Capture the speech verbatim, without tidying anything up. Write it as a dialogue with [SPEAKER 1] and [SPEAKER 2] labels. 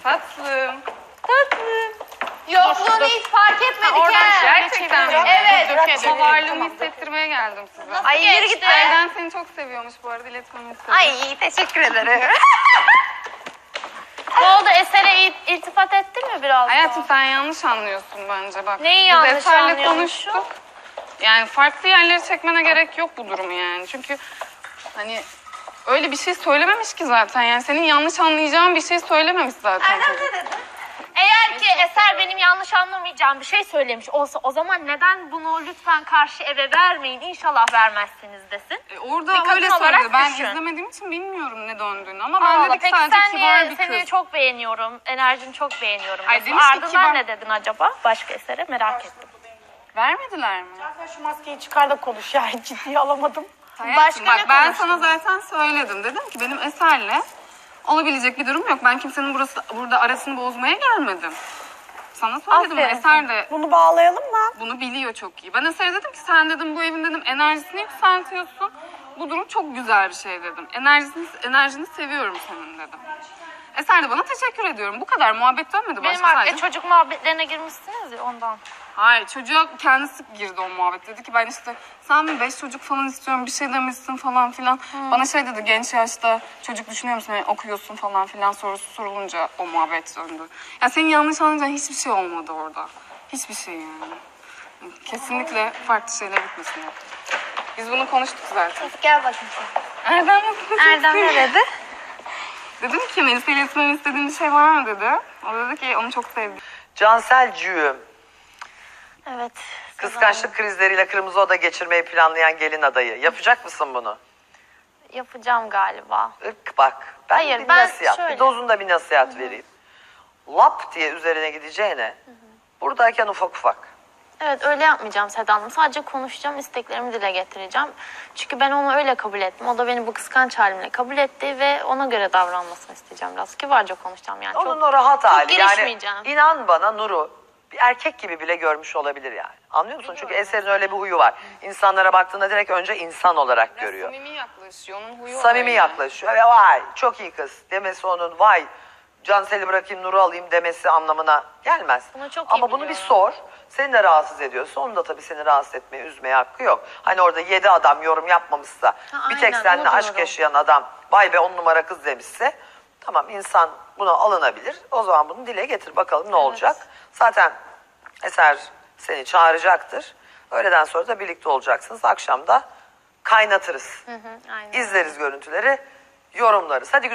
[SPEAKER 1] Tatlım.
[SPEAKER 2] Tatlım.
[SPEAKER 3] Yokluğunu hiç fark etmedik
[SPEAKER 1] Oradan
[SPEAKER 3] he.
[SPEAKER 1] gerçekten mi?
[SPEAKER 3] Evet.
[SPEAKER 1] Döke döke. Varlığımı hissettirmeye geldim size.
[SPEAKER 3] Ay yürü git.
[SPEAKER 1] Elden seni çok seviyormuş bu arada, iletmemi istedim.
[SPEAKER 3] Ay teşekkür ederim.
[SPEAKER 2] Ne oldu, Eser'e il- iltifat ettin mi biraz
[SPEAKER 1] Hayatım
[SPEAKER 2] daha?
[SPEAKER 1] sen yanlış anlıyorsun bence bak.
[SPEAKER 2] Neyi
[SPEAKER 1] Biz
[SPEAKER 2] yanlış
[SPEAKER 1] Eser'le
[SPEAKER 2] anlıyormuşum?
[SPEAKER 1] konuştuk. Yani farklı yerlere çekmene gerek yok bu durumu yani. Çünkü hani öyle bir şey söylememiş ki zaten. Yani senin yanlış anlayacağın bir şey söylememiş zaten.
[SPEAKER 3] Erdem
[SPEAKER 1] çocuk.
[SPEAKER 3] ne dedi?
[SPEAKER 2] Eğer ki Eser benim yanlış anlamayacağım bir şey söylemiş olsa o zaman neden bunu lütfen karşı eve vermeyin, İnşallah vermezsiniz desin.
[SPEAKER 1] E, orada
[SPEAKER 2] Bir kadın
[SPEAKER 1] öyle
[SPEAKER 2] olarak
[SPEAKER 1] söyledi. Ben
[SPEAKER 2] düşün.
[SPEAKER 1] izlemediğim için bilmiyorum ne döndüğünü. Ama ben
[SPEAKER 2] Allah,
[SPEAKER 1] dedik
[SPEAKER 2] peki
[SPEAKER 1] sadece
[SPEAKER 2] sen
[SPEAKER 1] kibar
[SPEAKER 2] niye
[SPEAKER 1] bir
[SPEAKER 2] seni
[SPEAKER 1] kız.
[SPEAKER 2] çok beğeniyorum, enerjini çok beğeniyorum.
[SPEAKER 1] Ay,
[SPEAKER 2] diyorsun.
[SPEAKER 1] demiş ki
[SPEAKER 2] Ardından
[SPEAKER 1] kibar.
[SPEAKER 2] ne dedin acaba başka Eser'e, merak ettim.
[SPEAKER 1] Vermediler mi?
[SPEAKER 4] Sen şu maskeyi çıkar da konuş ya. Ciddiye alamadım.
[SPEAKER 1] Hayatım,
[SPEAKER 2] Başka
[SPEAKER 1] bak
[SPEAKER 2] ne
[SPEAKER 1] ben
[SPEAKER 2] konuştunuz?
[SPEAKER 1] sana zaten söyledim. Dedim ki benim Eser'le olabilecek bir durum yok. Ben kimsenin burası burada arasını bozmaya gelmedim. Sana söyledim.
[SPEAKER 2] Aferin.
[SPEAKER 1] Eser de
[SPEAKER 4] Bunu bağlayalım mı?
[SPEAKER 1] bunu biliyor çok iyi. Ben Eser'e dedim ki sen dedim bu evin dedim enerjisini yükseltiyorsun. Bu durum çok güzel bir şey dedim. Enerjisini, enerjini seviyorum senin dedim. Eser de bana teşekkür ediyorum. Bu kadar muhabbet dönmedi
[SPEAKER 2] Benim
[SPEAKER 1] başka
[SPEAKER 2] artık
[SPEAKER 1] sadece.
[SPEAKER 2] çocuk muhabbetlerine girmişsiniz ya ondan.
[SPEAKER 1] Hayır, çocuğa kendisi girdi o muhabbet. Dedi ki ben işte sen mi beş çocuk falan istiyorum bir şey demişsin falan filan. Bana şey dedi, genç yaşta çocuk düşünüyor musun, yani okuyorsun falan filan sorusu sorulunca o muhabbet döndü. Ya senin yanlış anlayacağın hiçbir şey olmadı orada. Hiçbir şey yani. Kesinlikle farklı şeyler gitmesin. Biz bunu konuştuk zaten.
[SPEAKER 3] Gel bakayım sen.
[SPEAKER 1] Erdem nasıl?
[SPEAKER 3] Erdem ne dedi?
[SPEAKER 1] Dedim ki Melisa'yla iletmemi istediğin bir şey var mı dedi. O dedi ki onu çok sevdim.
[SPEAKER 5] Canselcüğüm,
[SPEAKER 2] Evet.
[SPEAKER 5] kıskançlık krizleriyle kırmızı oda geçirmeyi planlayan gelin adayı. Yapacak mısın bunu?
[SPEAKER 2] Yapacağım galiba.
[SPEAKER 5] Irk bak, ben
[SPEAKER 2] Hayır,
[SPEAKER 5] bir
[SPEAKER 2] ben
[SPEAKER 5] nasihat,
[SPEAKER 2] şöyle-
[SPEAKER 5] bir dozunda bir nasihat vereyim. Lap diye üzerine gideceğine, buradayken ufak ufak.
[SPEAKER 2] Evet, öyle yapmayacağım Seda Hanım. Sadece konuşacağım, isteklerimi dile getireceğim. Çünkü ben onu öyle kabul ettim. O da beni bu kıskanç halimle kabul etti ve ona göre davranmasını isteyeceğim biraz. Kibarca konuşacağım yani.
[SPEAKER 5] Onun
[SPEAKER 2] çok,
[SPEAKER 5] o rahat
[SPEAKER 2] çok
[SPEAKER 5] hali. Yani
[SPEAKER 2] girişmeyeceğim.
[SPEAKER 5] inan bana Nur'u bir erkek gibi bile görmüş olabilir yani. Anlıyor musun? Çünkü Eser'in öyle bir huyu var. İnsanlara baktığında direkt önce insan olarak görüyor.
[SPEAKER 1] Samimi yaklaşıyor. Onun huyu
[SPEAKER 5] Samimi
[SPEAKER 1] öyle.
[SPEAKER 5] yaklaşıyor ve vay çok iyi kız demesi onun vay Cansel'i bırakayım Nur'u alayım demesi anlamına gelmez.
[SPEAKER 2] Bunu çok iyi
[SPEAKER 5] Ama bunu bir
[SPEAKER 2] biliyorum.
[SPEAKER 5] sor. Seni de rahatsız ediyorsa onun da tabii seni rahatsız etmeye, üzmeye hakkı yok. Hani orada yedi adam yorum yapmamışsa
[SPEAKER 2] Ha,
[SPEAKER 5] bir tek
[SPEAKER 2] aynen,
[SPEAKER 5] seninle
[SPEAKER 2] onu
[SPEAKER 5] aşk
[SPEAKER 2] diyorum.
[SPEAKER 5] yaşayan adam vay be on numara kız demişse tamam insan buna alınabilir. O zaman bunu dile getir bakalım ne olacak. Zaten Eser seni çağıracaktır. Öğleden sonra da birlikte olacaksınız. Akşam da kaynatırız.
[SPEAKER 2] Hı hı, aynen.
[SPEAKER 5] İzleriz görüntüleri, yorumlarız. Hadi